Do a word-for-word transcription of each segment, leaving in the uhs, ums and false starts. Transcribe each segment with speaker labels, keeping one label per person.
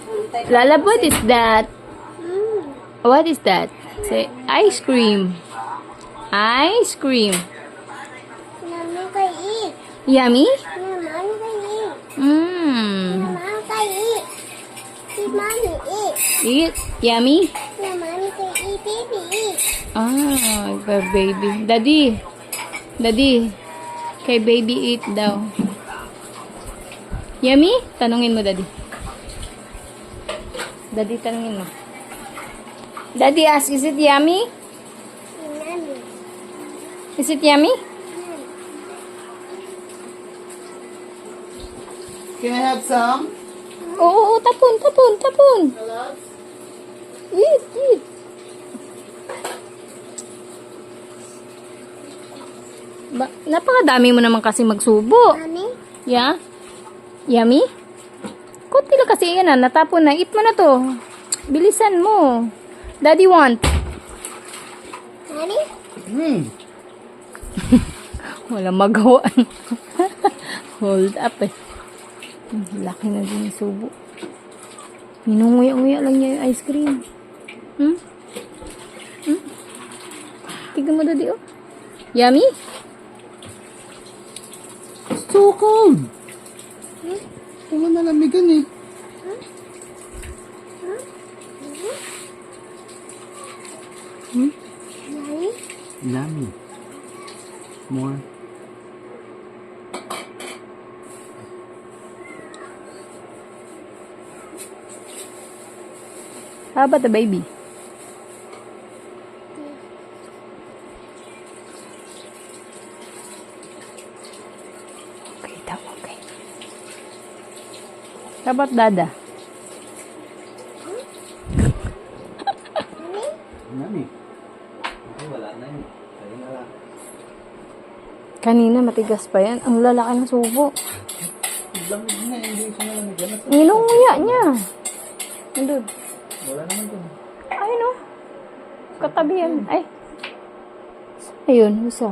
Speaker 1: Lala, what is that? What is that? Say, ice cream. Ice cream.
Speaker 2: Mommy can eat.
Speaker 1: Yummy?
Speaker 2: Yeah, mommy can eat.
Speaker 1: Mmm.
Speaker 2: Mama can eat. See, mommy eat.
Speaker 1: Eat. Yummy?
Speaker 2: Yeah, mommy can eat. Baby eat.
Speaker 1: Ah, kay baby. Daddy. Daddy. Kay baby eat daw. Yummy? Tanungin mo, Daddy. Daddy, tanungin mo. Daddy ask, is it yummy?
Speaker 2: Mommy.
Speaker 1: Is it yummy?
Speaker 3: Can I have some?
Speaker 1: Oo, oo, tapon, tapon, tapon. Eat, eat. Ba, napakadami mo naman kasi magsubo.
Speaker 2: Mommy?
Speaker 1: Yeah? Yummy? Kunti lang kasi yan ah, natapon na. Eat mo na to. Bilisan mo. Daddy want.
Speaker 2: Mommy?
Speaker 3: Hmm.
Speaker 1: Walang magawa. Hold up eh. Laki na din yung subo. Minunguya-nguya lang niya yung ice cream. Hmm? Hmm? Tignan mo, Daddy, oh. Yummy?
Speaker 3: So cold. Wala nalamigan eh.
Speaker 1: Hmm?
Speaker 2: Mommy?
Speaker 3: Yummy. More.
Speaker 1: How about the baby? Okay daw, okay. How about Dada?
Speaker 3: Yummy. Okay, wala na yun. Kaya na lang.
Speaker 1: Kanina matigas pa yan. Ang lalaki ng subo.
Speaker 3: Lamig na, hindi siya nalamigan.
Speaker 1: Minunguya niya. Nandun.
Speaker 3: Wala naman dun.
Speaker 1: Ay, no. Katabi yan. Ay. Ayun, isa.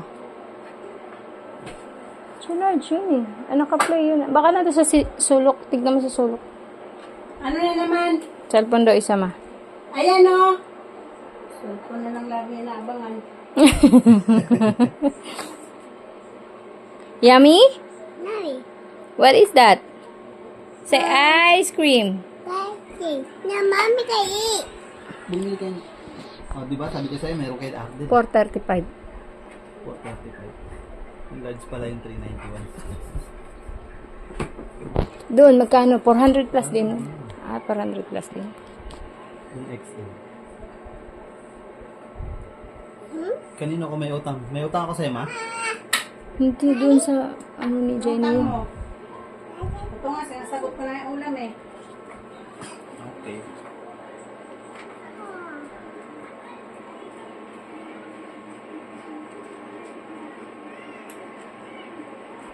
Speaker 1: Sunod, yun eh. Ah, naka-play yun. Baka natin sa si sulok. Tignan mo sa sulok.
Speaker 4: Ano na naman?
Speaker 1: Cellphone daw isa ma.
Speaker 4: Ayan o. Cellphone na lang lagi naabangan.
Speaker 1: Yummy?
Speaker 2: Mommy?
Speaker 1: What is that? Say ice cream.
Speaker 2: Daddy? Yeah, mommy can eat.
Speaker 3: Bumili ka. Oh, di ba? Sabi ko sa'yo, meron kayo update.
Speaker 1: four thirty-five.
Speaker 3: four thirty-five. Yung large pala yung three ninety-one.
Speaker 1: Doon, magkano? four hundred plus din. Ah, four hundred plus din.
Speaker 3: Yung X L. Kanino ko may utang? May utang ako sa'yo, ma?
Speaker 1: Hindi doon sa, ano ni Jenny.
Speaker 4: Utang mo. Ito nga, sinasagot ko na yung ulam eh.
Speaker 3: Okay.